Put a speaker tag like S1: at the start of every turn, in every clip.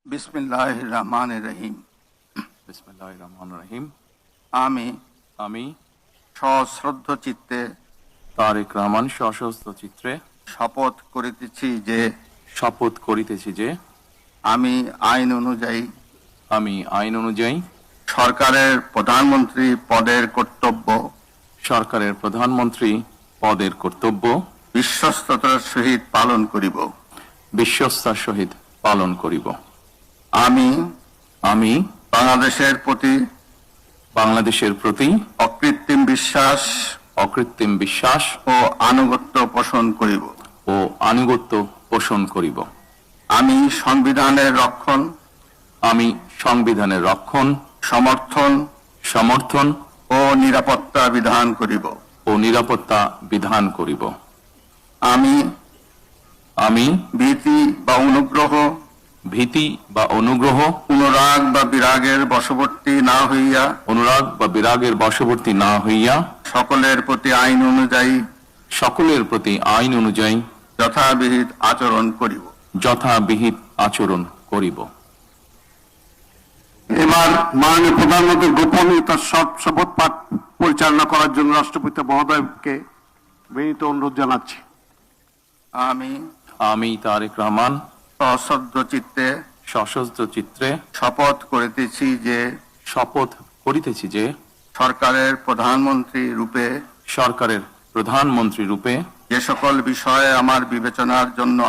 S1: বিসমিল্লাহির রহমানির রহিম।
S2: বিসমিল্লাহির রহমানির রহিম।
S1: আমি
S2: আমি
S1: সশ্রদ্ধ চিত্তে
S2: তারেক রহমান সশস্ত্র চিত্রে
S1: শপথ করিতেছি যে আমি আইন অনুযায়ী সরকারের প্রধানমন্ত্রী পদের কর্তব্য বিশ্বস্ততার সহিত পালন করিব। আমি বাংলাদেশের প্রতি অকৃত্রিম বিশ্বাস ও আনুগত্য পোষণ করিব। আমি সংবিধানের রক্ষণ, সমর্থন ও নিরাপত্তা বিধান করিব। আমি ভীতি বা অনুগ্রহ, অনুরাগ বা বিরাগের বশবর্তী না হইয়া সকলের প্রতি আইন অনুযায়ী যথাবিহিত আচরণ করিব।
S3: এবার মাননীয় প্রধানমন্ত্রীর গোপনীয়তার শপথ পাঠ পরিচালনা করার জন্য রাষ্ট্রপতি মহোদয়কে বিনীত অনুরোধ জানাচ্ছি।
S2: আমি তারেক রহমান
S1: সশ্রদ্ধ চিত্তে
S2: শপথ করিতেছি যে
S1: সরকারের প্রধানমন্ত্রী রূপে যে সকল বিষয় আমার বিবেচনার জন্য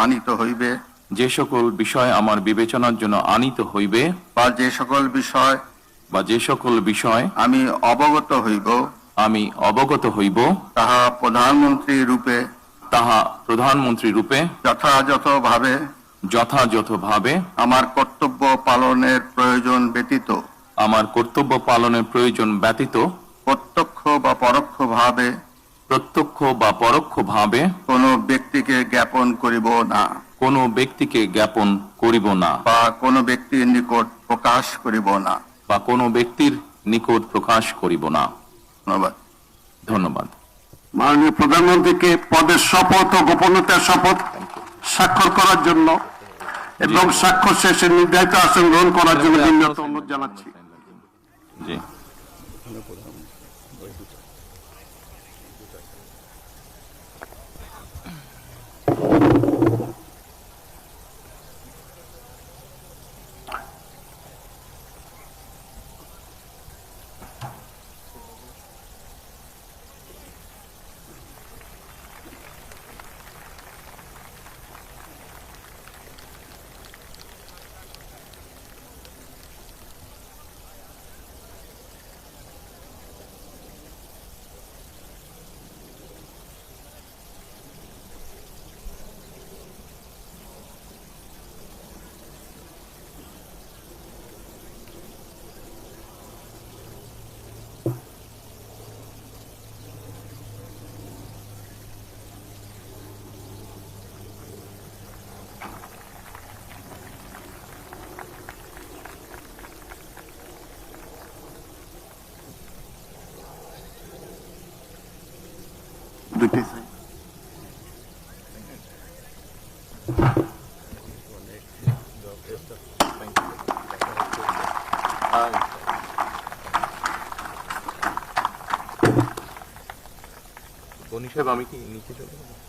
S1: আনিত হইবে বা যে সকল বিষয় আমি অবগত হইব তাহা প্রধানমন্ত্রী রূপে যথাযথভাবে আমার কর্তব্য পালনের প্রয়োজন ব্যতীত প্রত্যক্ষ বা পরোক্ষভাবে কোনো ব্যক্তিকে জ্ঞাপন করিব না বা কোনো ব্যক্তির নিকট প্রকাশ করিব না। ধন্যবাদ।
S3: মাননীয় প্রধানমন্ত্রীকে পদের শপথ ও গোপনীয়তার শপথ স্বাক্ষর করার জন্য এবং স্বাক্ষর শেষে নির্ধারিত আসন গ্রহণ করার জন্য বিনীত অনুরোধ জানাচ্ছি।
S2: জি।
S4: গনি সাহেব, আমি কি নিচে চলে যাব?